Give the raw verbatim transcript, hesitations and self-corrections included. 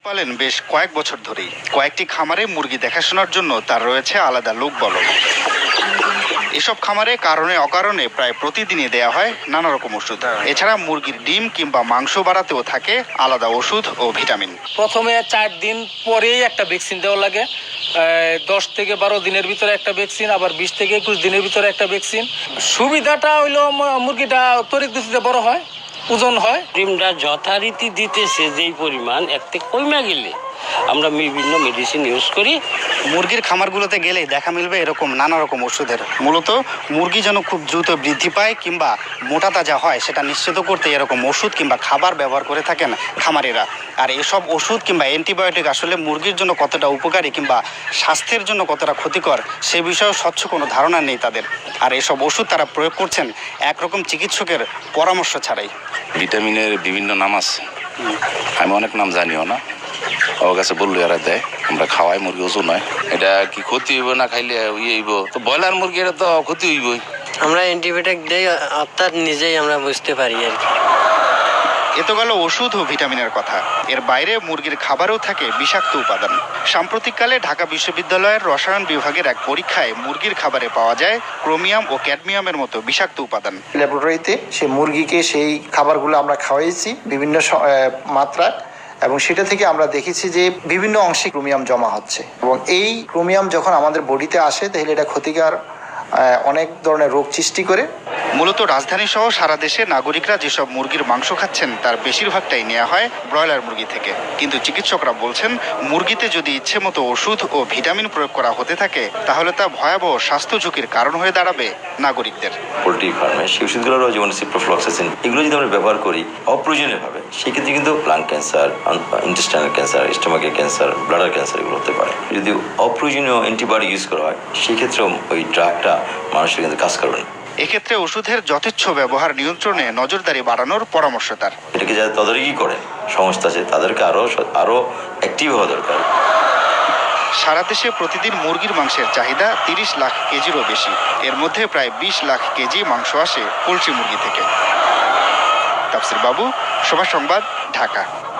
পালেন বেশ কয়েক বছর ধরেই। কয়েকটি খামারে মুরগি দেখাশোনার জন্য তার রয়েছে আলাদা লোকবল। এসব খামারে কারণে অকারণে প্রায় প্রতিদিনই দেয়া হয় নানা রকম ওষুধ। এছাড়া মুরগির ডিম কিংবা মাংস বাড়াতেও থাকে আলাদা ওষুধ ও ভিটামিন। প্রথমে চার দিন পরেই একটা ভ্যাকসিন দেওয়া লাগে, দশ থেকে বারো দিনের ভিতরে একটা ভ্যাকসিন, আবার বিশ থেকে একুশ দিনের ভিতরে একটা ভ্যাকসিন। সুবিধাটা হইলো মুরগিটা তরিত গতিতে বড় হয়, ওজন হয়। ডিমটা যথারীতি দিতেছে যেই পরিমাণ, একটু কমে গেলে আমরা বিভিন্ন মেডিসিন ইউজ করি। মুরগির খামারগুলোতে গেলে দেখা মিলবে এরকম নানা রকম ওষুধের। মূলত মুরগি যেন খুব দ্রুত বৃদ্ধি পায় কিংবা মোটা তাজা হয় সেটা নিশ্চিত করতে এরকম ওষুধ কিংবা খাবার ব্যবহার করে থাকেন খামারিরা। আর এসব ওষুধ কিংবা অ্যান্টিবায়োটিক আসলে মুরগির জন্য কতটা উপকারী কিংবা স্বাস্থ্যের জন্য কতটা ক্ষতিকর সে বিষয়ে স্বচ্ছ কোনো ধারণা নেই তাদের। আর এসব ওষুধ তারা প্রয়োগ করছেন একরকম চিকিৎসকের পরামর্শ ছাড়াই। ভিটামিনের বিভিন্ন নাম আছে, আমি অনেক নাম জানিও না। ওর কাছে বললো এরা দেয়, আমরা খাওয়াই, মুরগি ওজন হয়। এটা কি ক্ষতি হইব না খাইলে ইয়ে হইব? তো ব্রয়লার মুরগি এটা তো ক্ষতি হইবই। আমরা অ্যান্টিবায়োটিক দেই অর্থাৎ নিজেই আমরা বুঝতে পারি আর কি। এ তো গেল ওষুধ ও ভিটামিনের কথা। এর বাইরে মুরগির খাবারেও থাকে বিষাক্ত উপাদান। সাম্প্রতিককালে ঢাকা বিশ্ববিদ্যালয়ের রসায়ন বিভাগের এক পরীক্ষায় মুরগির খাবারে পাওয়া যায় ক্রোমিয়াম ও ক্যাডমিয়ামের মতো বিষাক্ত উপাদান। ল্যাবরেটরিতে সেই মুরগিকে সেই খাবারগুলো আমরা খাওয়াইছি বিভিন্ন মাত্রায়, এবং সেটা থেকে আমরা দেখেছি যে বিভিন্ন অংশে ক্রোমিয়াম জমা হচ্ছে, এবং এই ক্রোমিয়াম যখন আমাদের বডিতে আসে তাহলে এটা ক্ষতিকর অনেক ধরনের রোগ সৃষ্টি করে। মূলত রাজধানী সহ সারা দেশে নাগরিকরা যেসব মুরগির মাংস খাচ্ছেন তার বেশিরভাগটাই নেওয়া হয় ব্রয়লার মুরগি থেকে। কিন্তু চিকিৎসকরা বলছেন মুরগিতে যদি ইচ্ছে মতো ওষুধ ও ভিটামিন প্রয়োগ করা হতে থাকে তাহলে তা ভয়াবহ স্বাস্থ্য ঝুঁকির কারণ হয়ে দাঁড়াবে নাগরিকদের। পোলট্রি ফার্মে সেই ওষুধগুলোরও যেমন সিপ্রোফ্লক্সাসিন এগুলো যদি আমরা ব্যবহার করি অপ্রয়োজনীয়ভাবে, সেক্ষেত্রে কিন্তু লাং ক্যান্সার, ইন্টেস্টাইনাল ক্যান্সার, স্টোমাকের ক্যান্সার, ব্লাডার ক্যান্সার এগুলো হতে পারে। যদি অপ্রয়োজনীয় অ্যান্টিবায়োটিক ইউজ করা হয় সেক্ষেত্রেও ওই ড্রাগটা মানুষের কিন্তু কাজ করবে না। এক্ষেত্রে ওষুধের যথেচ্ছ ব্যবহার নিয়ন্ত্রণে নজরদারি বাড়ানোর পরামর্শ তার। এটাকে যারা তদারকি করেন সংস্থা আছে তাদেরকে আরও আরও অ্যাক্টিভ হওয়া দরকার। সারা দেশে প্রতিদিন মুরগির মাংসের চাহিদা তিরিশ লাখ কেজিরও বেশি। এর মধ্যে প্রায় বিশ লাখ কেজি মাংস আসে পোলট্রি মুরগি থেকে। তাফসির বাবু, সময় সংবাদ, ঢাকা।